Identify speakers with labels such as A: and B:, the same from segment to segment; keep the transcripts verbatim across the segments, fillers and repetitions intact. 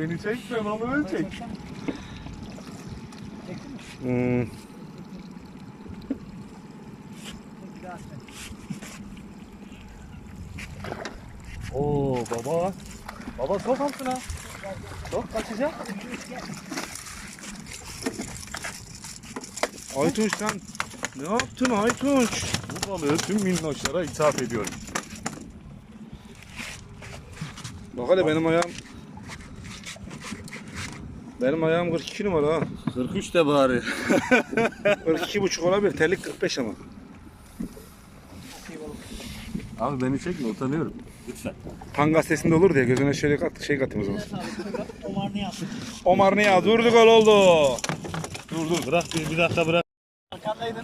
A: Beni çekme, balığı çek.
B: Hmm.
A: Oo baba. Baba sok altına. Sok kaçacak.
B: Aytunç sen ne yaptın Aytunç?
A: Bu balığı tüm minnoşlara ithaf ediyorum.
B: Bak hele benim ayağım benim ayağım kırk iki numara ha.
A: kırk üç de bari.
B: kırk iki buçuk olabilir. Terlik kırk beş ama.
A: Abi beni çekme, utanıyorum. Lütfen.
B: Han gazetesinde olur diye gözüne şöyle kat, şey katayım o zaman.
C: Omar Niyaz.
B: Omar Niyaz durdu, gol oldu.
A: Dur dur bırak bir, bir dakika bırak.
C: Arkandaydın.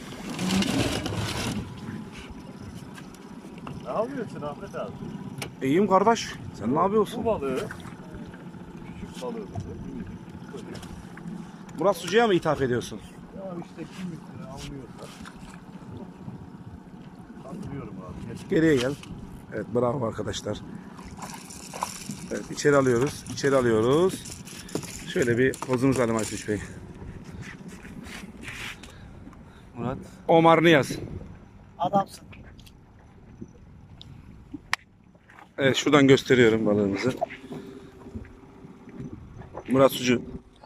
A: Ne yapıyorsun Ahmet abi?
B: İyiyim kardeş. Sen ne yapıyorsun?
A: Bu balığı, küçük balığı.
B: Murat Sucu'ya mı ithaf ediyorsun?
A: Ya işte kim bilir anlıyorsa. Anlıyorum abi. Geç.
B: Geriye gel. Evet, bravo arkadaşlar. Evet, içeri alıyoruz. İçeri alıyoruz. Şöyle bir pozumuzu alalım Aytunç Bey.
A: Murat.
B: Omar Niyaz.
C: Adamsın.
B: Evet, şuradan gösteriyorum balığımızı. Murat Sucu.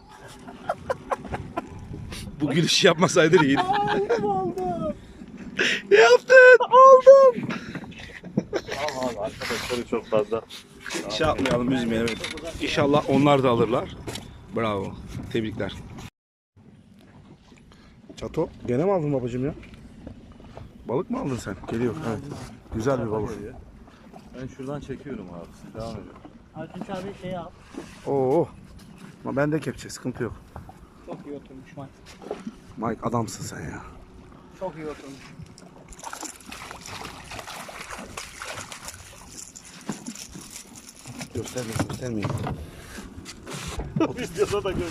B: Bu gülüşü yapmasaydı iyiydi.
C: Aldım aldım.
B: Ne yaptın? Aldım.
A: Tamam abi arkadaşları çok fazla.
B: Şey yapmayalım, üzmeyelim. Evet. İnşallah onlar da alırlar. Bravo. Tebrikler. Çato. Gene mi aldın babacığım ya? Balık mı aldın sen? Geliyor. Evet. Güzel bir balık.
A: Ben şuradan çekiyorum abi. Siz devam edin.
C: Artunç abi şey al.
B: Oo. Ama bende kepçe, sıkıntı yok.
C: Çok iyi oturmuş Mike.
B: Mike adamsın sen ya.
C: Çok iyi oturmuş.
B: Göstermeyin, göstermeyin.
A: Videoda da gör.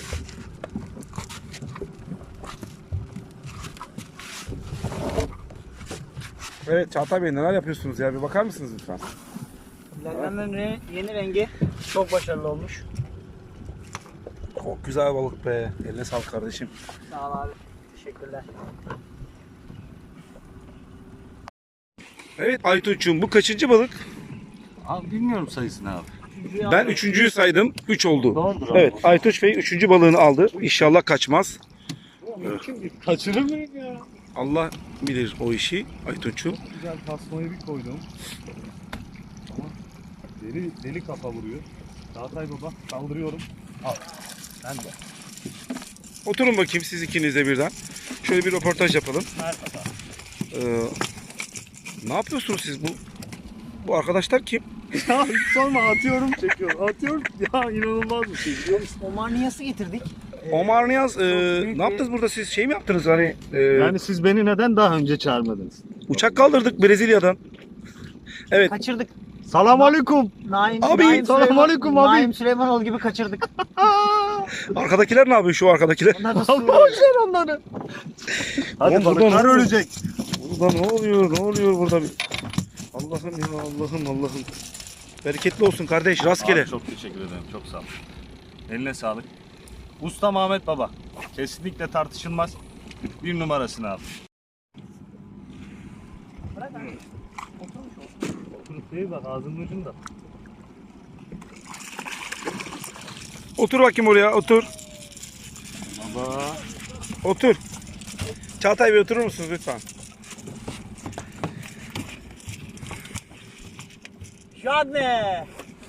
B: Evet Çağatay Bey, neler yapıyorsunuz ya? Bir bakar mısınız lütfen?
C: Lallanın re yeni rengi çok başarılı olmuş.
B: Çok güzel balık be. Eline sağlık kardeşim.
C: Sağ ol abi. Teşekkürler.
B: Evet Aytunç'um, bu kaçıncı balık?
A: Abi bilmiyorum sayısını abi.
C: Üçüncüyü
B: Ben
C: aldım.
B: üçüncüyü saydım. Üç oldu.
A: Doğrudur abi.
B: Evet, Aytunç Bey üçüncü balığını aldı. İnşallah kaçmaz.
A: Kaçırır mıyım ya?
B: Allah bilir o işi Aytunç'um.
A: Güzel tasmayı bir koydum. Ama deli, deli kafa vuruyor. Çağatay baba kaldırıyorum. Al. Ben de.
B: Oturun bakayım siz ikiniz de birden. Şöyle bir röportaj yapalım.
C: Merhaba.
B: Ee, ne yapıyorsunuz siz bu? Bu arkadaşlar kim?
A: Ya hiç sorma atıyorum çekiyorum. Atıyorum ya inanılmaz bir şey biliyor musun?
C: Omar Niyaz'ı getirdik.
B: Omar Niyaz, e,
C: büyük
B: ne yaptınız burada siz? Şey mi yaptınız hani? e,
A: Yani siz beni neden daha önce çağırmadınız?
B: Uçak kaldırdık Brezilya'dan. Evet.
C: Kaçırdık.
A: Selam aleyküm.
C: Naim,
B: Abi,
C: Naim
A: selam
C: Süleyman-
A: aleyküm abi.
C: Naim Süleymanoğlu gibi kaçırdık.
B: Arkadakiler ne yapıyor şu arkadakiler?
C: Onlar da
A: Boş
C: su.
A: ver onları. Hadi
B: Oğlum,
A: balıklar
B: buradan-
A: ölecek.
B: Burada ne oluyor? Ne oluyor burada? Allah'ım ya Allah'ım Allah'ım. Bereketli olsun kardeş, rastgele.
A: Abi çok teşekkür ederim. Çok sağ ol. Eline sağlık. Usta Ahmet Baba. Kesinlikle tartışılmaz. Bir numarasını al.
C: Bırak abi. Oturmuş olsun.
A: Oturup değil bak ağzının ucunda.
B: Otur bakayım oraya, otur.
A: Baba.
B: Otur. Çağatay Bey oturur musunuz lütfen?
C: Şadne.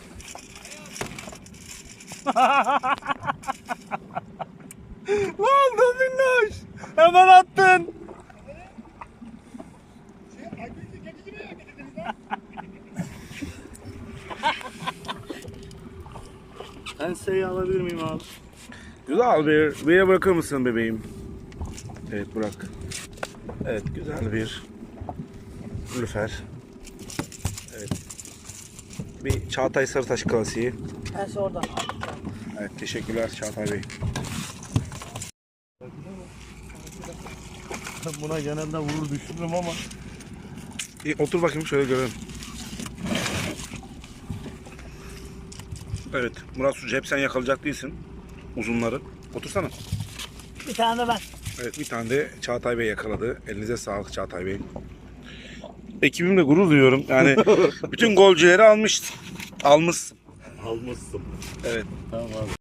A: Ne oldu minnoş? Hemen attın. Enseyi alabilir miyim abi?
B: Güzel bir, bir yere bırakır mısın bebeğim? Evet bırak. Evet güzel bir lüfer. Evet. Bir Çağatay Sarıtaş klasiği.
C: Ben oradan.
B: Evet teşekkürler Çağatay Bey.
A: Buna genelde vurur düşürürüm ama.
B: Bir otur bakayım şöyle görelim. Evet Murat Sucu hep sen yakalayacak değilsin. Uzunları. Otursana.
C: Bir tane de ben.
B: Evet bir tane de Çağatay Bey yakaladı. Elinize sağlık Çağatay Bey. Ekibimle gurur duyuyorum. Yani bütün golcüleri almış. Almışsın.
A: Almışsın.
B: Evet.
A: Tamam abi.